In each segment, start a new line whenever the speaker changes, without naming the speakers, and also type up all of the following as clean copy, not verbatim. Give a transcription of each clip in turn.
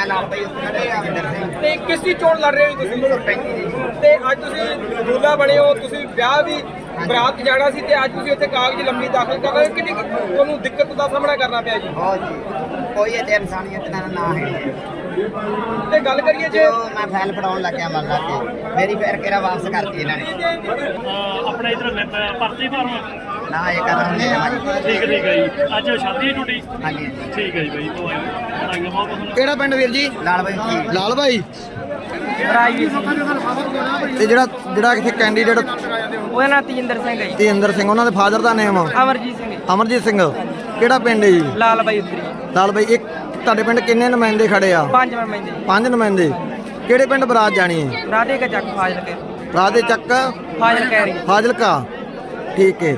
ਮੈਂ ਨਾਲ ਭਾਈ ਅਮਰਿੰਦਰ ਸਿੰਘ
ਤੇ ਕਿਸ ਦੀ ਚੋਣ ਲੜ ਰਹੇ ਹੋ ਤੁਸੀਂ? ਤੇ ਅੱਜ ਤੁਸੀਂ ਦੂਲਾ ਬਣੇ ਹੋ, ਤੁਸੀਂ ਵਿਆਹ ਵੀ ਬਰਾਤ ਜਾਣਾ ਸੀ ਤੇ ਅੱਜ ਤੁਸੀਂ ਉੱਥੇ ਕਾਗਜ਼ ਲੰਮੀ ਦਾਖਲ ਕਰ ਰਹੇ ਹੋ। ਕਿੰਨੀ ਤੁਹਾਨੂੰ ਦਿੱਕਤ ਦਾ ਸਾਹਮਣਾ ਕਰਨਾ ਪਿਆ ਜੀ?
ਬਹੁਤ ਜੀ, ਕੋਈ ਇਹ ਇਨਸਾਨੀਅਤ ਦਾ ਨਾ ਹੈ।
ਤੇ ਗੱਲ ਕਰੀਏ ਜੇ
ਜਦੋਂ ਮੈਂ ਫਾਈਲ ਫੜਾਉਣ ਲੱਗਿਆ ਮੰਨ ਲਾ ਕੇ ਮੇਰੀ ਫਿਰ ਕਿਹੜਾ ਵਾਪਸ ਕਰਤੀ ਇਹਨਾਂ ਨੇ।
ਆਪਣਾ ਇਧਰ ਭਰਤੀ ਫਾਰਮ
ਨਾ ਇਹ ਕਦਮ ਨਹੀਂ ਹੈ
ਠੀਕ ਹੈ ਜੀ। ਅੱਜ ਸ਼ਾਦੀ ਹੈ ਟੁੱਟੀ
ਹਾਂਜੀ
ਠੀਕ ਹੈ ਜੀ ਬਾਈ ਤੋਂ ਆਈਆਂ ਬਹੁਤ ਤੁਹਾਨੂੰ।
ਕਿਹੜਾ ਪਿੰਡ ਵੀਰ ਜੀ?
ਲਾਲ ਭਾਈ ਜੀ
ਲਾਲ ਭਾਈ। ਤੇ ਜਿਹੜਾ ਕਿਥੇ ਕੈਂਡੀਡੇਟ
ਉਹਦਾ ਨਾਂ ਤੇਜਿੰਦਰ ਸਿੰਘ ਹੈ ਜੀ।
ਤੇਜਿੰਦਰ ਸਿੰਘ, ਉਹਨਾਂ ਦੇ ਫਾਦਰ ਦਾ ਨੇਮ
ਅਮਰਜੀਤ ਸਿੰਘ ਜੀ।
ਅਮਰਜੀਤ ਸਿੰਘ। ਕਿਹੜਾ ਪਿੰਡ ਹੈ ਜੀ?
ਲਾਲ ਬਾਈ ਉੱਤਰੀ
ਲਾਲ ਭਾਈ। ਇੱਕ ਤੁਹਾਡੇ ਪਿੰਡ ਕਿੰਨੇ ਨੁਮਾਇੰਦੇ ਖੜੇ ਆ?
5 ਮੈਂਬਰ ਜੀ।
5 ਨੁਮਾਇੰਦੇ। ਕਿਹੜੇ ਪਿੰਡ ਬਰਾਤ ਜਾਣੀ ਹੈ?
ਰਾਧੇ ਕਾ ਚੱਕ ਫਾਜ਼ਲ ਕੇ
ਰਾਤ ਦੇ ਚੱਕ
ਫਾਜ਼ਲ ਕਹਿ ਰਹੀ
ਫਾਜ਼ਿਲਕਾ। ਠੀਕ ਹੈ।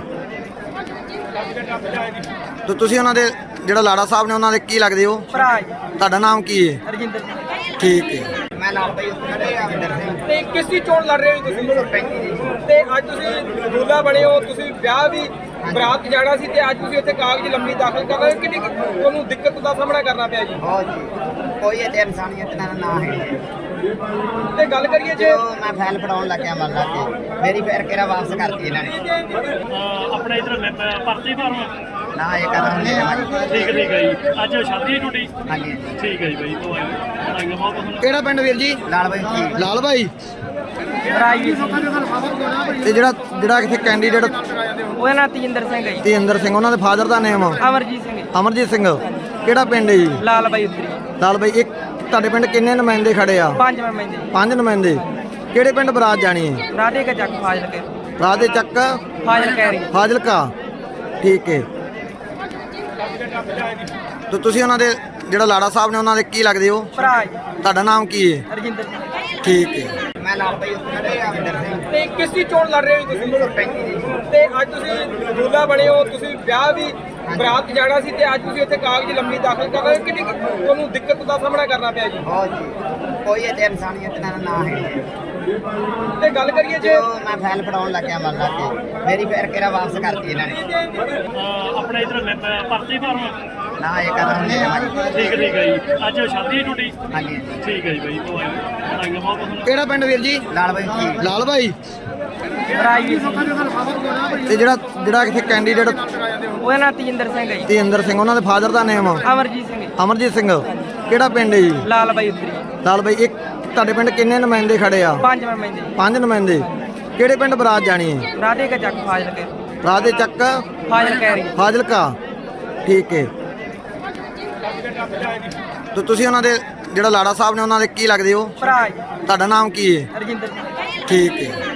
ਤੇ ਤੁਸੀਂ ਉਹਨਾਂ ਦੇ ਜਿਹੜਾ ਲਾੜਾ ਸਾਹਿਬ ਨੇ ਉਹਨਾਂ ਦੇ ਕੀ ਲੱਗਦੇ ਹੋ?
ਭਰਾ ਜੀ
ਤੁਹਾਡਾ ਨਾਮ ਕੀ ਹੈ?
ਰਜਿੰਦਰ ਸਿੰਘ।
ਠੀਕ ਹੈ।
ਮੈਂ ਨਾਲ ਭਾਈ ਅਮਰਿੰਦਰ ਸਿੰਘ
ਤੇ ਕਿਸ ਦੀ ਚੋਣ ਲੜ ਰਹੇ ਹੋ ਤੁਸੀਂ? ਤੇ ਅੱਜ ਤੁਸੀਂ ਦੂਲਾ ਬਣੇ ਹੋ, ਤੁਸੀਂ ਵਿਆਹ ਵੀ ਬਰਾਤ ਜਾਣਾ ਸੀ ਤੇ ਅੱਜ ਤੁਸੀਂ ਉੱਥੇ ਕਾਗਜ਼ ਲੰਮੀ ਦਾਖਲ ਕਰ ਰਹੇ ਹੋ। ਕਿੰਨੀ ਤੁਹਾਨੂੰ ਦਿੱਕਤ ਦਾ ਸਾਹਮਣਾ ਕਰਨਾ ਪਿਆ ਜੀ?
ਬਹੁਤ ਜੀ, ਕੋਈ ਇਹ ਇਨਸਾਨੀਅਤ ਦਾ ਨਾ ਹੈ।
ਤੇ ਗੱਲ ਕਰੀਏ ਜੇ
ਜਦੋਂ ਮੈਂ ਫਾਈਲ ਫੜਾਉਣ ਲੱਗਿਆ ਮੰਨ ਲਾ ਕੇ ਮੇਰੀ ਫਿਰ ਕਿਹੜਾ ਵਾਪਸ ਕਰਤੀ ਇਹਨਾਂ ਨੇ।
ਆਪਣਾ ਇਧਰ ਭਰਤੀ ਫਾਰਮ
ਨਾ ਇਹ ਕਦਮ ਨਹੀਂ ਹੈ
ਠੀਕ ਹੈ ਜੀ। ਅੱਜ ਸ਼ਾਦੀ ਹੈ ਟੁੱਟੀ
ਹਾਂਜੀ
ਠੀਕ ਹੈ ਜੀ ਬਾਈ ਤੋਂ ਆਈਆਂ ਬਹੁਤ ਤੁਹਾਨੂੰ।
ਕਿਹੜਾ ਪਿੰਡ ਵੀਰ ਜੀ?
ਲਾਲ ਭਾਈ ਜੀ
ਲਾਲ ਭਾਈ।
ਰਾਜਵੀਰ
ਤੇ ਜਿਹੜਾ ਕਿਥੇ ਕੈਂਡੀਡੇਟ
ਉਹਦਾ ਨਾਂ ਤੇਜਿੰਦਰ ਸਿੰਘ ਹੈ ਜੀ।
ਤੇਜਿੰਦਰ ਸਿੰਘ, ਉਹਨਾਂ ਦੇ ਫਾਦਰ ਦਾ ਨੇਮ
ਅਮਰਜੀਤ ਸਿੰਘ ਜੀ।
ਅਮਰਜੀਤ ਸਿੰਘ। ਕਿਹੜਾ ਪਿੰਡ ਹੈ ਜੀ?
ਲਾਲ ਬਾਈ ਉੱਤਰੀ
ਲਾਲ ਭਾਈ। ਇੱਕ ਤੁਹਾਡੇ ਪਿੰਡ ਕਿੰਨੇ ਨੁਮਾਇੰਦੇ ਖੜੇ ਆ?
5 ਮੈਂਬਰ ਜੀ।
5 ਨੁਮਾਇੰਦੇ। ਕਿਹੜੇ ਪਿੰਡ ਬਰਾਤ ਜਾਣੀ ਹੈ?
ਰਾਧੇ ਕਾ ਚੱਕ ਫਾਜ਼ਲ ਕੇ
ਰਾਤ ਦੇ ਚੱਕ
ਫਾਜ਼ਲ ਕਹਿ ਰਹੀ
ਫਾਜ਼ਿਲਕਾ। ਠੀਕ ਹੈ। ਤੇ ਤੁਸੀਂ ਉਹਨਾਂ ਦੇ ਜਿਹੜਾ ਲਾੜਾ ਸਾਹਿਬ ਨੇ ਉਹਨਾਂ ਦੇ ਕੀ ਲੱਗਦੇ ਹੋ?
ਭਰਾ ਜੀ
ਤੁਹਾਡਾ ਨਾਮ ਕੀ ਹੈ?
ਰਜਿੰਦਰ ਸਿੰਘ।
ਠੀਕ ਹੈ।
ਮੈਂ ਨਾਲ ਭਾਈ ਅਮਰਿੰਦਰ ਸਿੰਘ
ਤੇ ਕਿਸ ਦੀ ਚੋਣ ਲੜ ਰਹੇ ਹੋ ਤੁਸੀਂ? ਤੇ ਅੱਜ ਤੁਸੀਂ ਦੂਲਾ ਬਣੇ ਹੋ, ਤੁਸੀਂ ਵਿਆਹ ਵੀ ਬਰਾਤ ਜਾਣਾ ਸੀ ਤੇ ਅੱਜ ਤੁਸੀਂ ਉੱਥੇ ਕਾਗਜ਼ ਲੰਮੀ ਦਾਖਲ ਕਰ ਰਹੇ ਹੋ। ਕਿੰਨੀ ਤੁਹਾਨੂੰ ਦਿੱਕਤ ਦਾ ਸਾਹਮਣਾ ਕਰਨਾ ਪਿਆ ਜੀ?
ਬਹੁਤ ਜੀ, ਕੋਈ ਇਹ ਇਨਸਾਨੀਅਤ ਦਾ ਨਾ ਹੈ।
ਤੇ ਗੱਲ ਕਰੀਏ ਜੇ
ਜਦੋਂ ਮੈਂ ਫਾਈਲ ਫੜਾਉਣ ਲੱਗਿਆ ਮੰਨ ਲਾ ਕੇ ਮੇਰੀ ਫਿਰ ਕਿਹੜਾ ਵਾਪਸ ਕਰਤੀ ਇਹਨਾਂ ਨੇ।
ਆਪਣਾ ਇਧਰ ਭਰਤੀ ਫਾਰਮ
ਨਾ ਇਹ ਕਦਮ ਨਹੀਂ ਹੈ
ਠੀਕ ਹੈ ਜੀ। ਅੱਜ ਸ਼ਾਦੀ ਹੈ ਟੁੱਟੀ
ਹਾਂਜੀ
ਠੀਕ ਹੈ ਜੀ ਬਾਈ ਤੋਂ ਆਈਆਂ ਬਹੁਤ ਤੁਹਾਨੂੰ।
ਕਿਹੜਾ ਪਿੰਡ ਵੀਰ ਜੀ?
ਲਾਲ ਭਾਈ ਜੀ
ਲਾਲ ਭਾਈ।
ਰਾਜਵੀਰ
ਤੇ ਜਿਹੜਾ ਕਿਥੇ ਕੈਂਡੀਡੇਟ
ਉਹਦਾ ਨਾਂ ਤੇਜਿੰਦਰ ਸਿੰਘ ਹੈ ਜੀ।
ਤੇਜਿੰਦਰ ਸਿੰਘ, ਉਹਨਾਂ ਦੇ ਫਾਦਰ ਦਾ ਨੇਮ
ਅਮਰਜੀਤ ਸਿੰਘ ਜੀ।
ਅਮਰਜੀਤ ਸਿੰਘ। ਕਿਹੜਾ ਪਿੰਡ ਹੈ ਜੀ?
ਲਾਲ ਬਾਈ ਉੱਤਰੀ
ਲਾਲ ਭਾਈ। ਇੱਕ ਤੁਹਾਡੇ ਪਿੰਡ ਕਿੰਨੇ ਨੁਮਾਇੰਦੇ ਖੜੇ ਆ?
5 ਮੈਂਬਰ ਜੀ।
5 ਨੁਮਾਇੰਦੇ। ਕਿਹੜੇ ਪਿੰਡ ਬਰਾਤ ਜਾਣੀ ਹੈ?
ਰਾਧੇ ਕਾ ਚੱਕ ਫਾਜ਼ਲ ਕੇ
ਰਾਤ ਦੇ ਚੱਕ
ਫਾਜ਼ਲ ਕਹਿ ਰਹੀ
ਫਾਜ਼ਿਲਕਾ। ਠੀਕ ਹੈ। ਤੇ ਤੁਸੀਂ ਉਹਨਾਂ ਦੇ ਜਿਹੜਾ ਲਾੜਾ ਸਾਹਿਬ ਨੇ ਉਹਨਾਂ ਦੇ ਕੀ ਲੱਗਦੇ ਹੋ?
ਭਰਾ ਜੀ
ਤੁਹਾਡਾ ਨਾਮ ਕੀ ਹੈ?
ਰਜਿੰਦਰ ਸਿੰਘ।
ਠੀਕ ਹੈ।